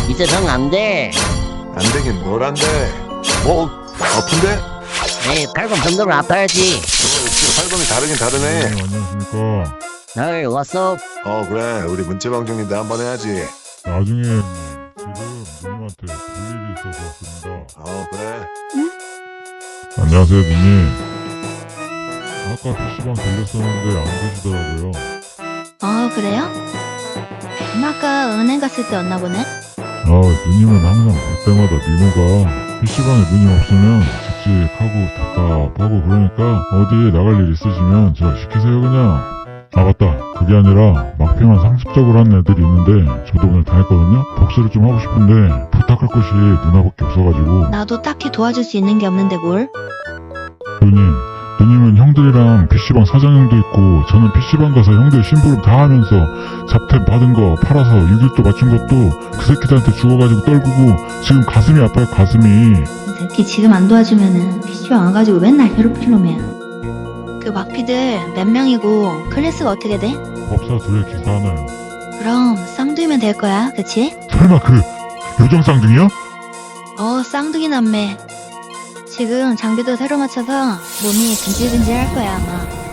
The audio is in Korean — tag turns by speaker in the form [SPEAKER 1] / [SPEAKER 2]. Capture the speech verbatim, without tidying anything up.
[SPEAKER 1] 이 세상 안 돼.
[SPEAKER 2] 안 되긴 뭘 안 돼. 뭐 아픈데?
[SPEAKER 1] 에이, 팔꿈 정도로 아파야지.
[SPEAKER 2] 어, 역시 활동이 다르긴 다르네.
[SPEAKER 3] 네, 안녕하십니까.
[SPEAKER 1] 널 왔어?
[SPEAKER 2] 어 그래 우리 문체방 중인데 한번 해야지.
[SPEAKER 3] 나중에 형님, 지금 누님한테 볼 일이 있어서 왔습니다.
[SPEAKER 2] 어 그래.
[SPEAKER 3] 안녕하세요, 누님. 아까 피시방 들렸었는데 안 계시더라고요.
[SPEAKER 4] 어, 그래요? 음, 아까 은행 갔을 때였나 보네?
[SPEAKER 3] 아, 누님은 항상 볼 때마다 미모가 피시방에 누님 없으면 칙칙하고 답답하고 그러니까 어디에 나갈 일 있으시면 저 시키세요 그냥. 아 맞다, 그게 아니라 막평한 상습적으로 하는 애들이 있는데 저도 오늘 당했거든요. 복수를 좀 하고 싶은데 부탁할 곳이 누나밖에 없어가지고.
[SPEAKER 4] 나도 딱히 도와줄 수 있는 게 없는데 뭘?
[SPEAKER 3] 누님, 누님은 형들이랑 피시방 사장형도 있고 저는 피시방 가서 형들 심부름 다 하면서 잡템 받은 거 팔아서 육일도 맞춘 것도 그 새끼들한테 죽어가지고 떨구고 지금 가슴이 아파요, 가슴이.
[SPEAKER 4] 이 새끼 지금 안 도와주면은 피시방 와가지고 맨날 괴롭힐 놈이야. 그 막피들 몇 명이고 클래스가 어떻게 돼?
[SPEAKER 3] 법사 둘에 기사 하나요.
[SPEAKER 4] 그럼 쌍둥이면 될 거야, 그치?
[SPEAKER 3] 설마 그 요정 쌍둥이요?
[SPEAKER 4] 어, 쌍둥이 남매. 지금 장비도 새로 맞춰서 몸이 근질근질 할 거야, 아마.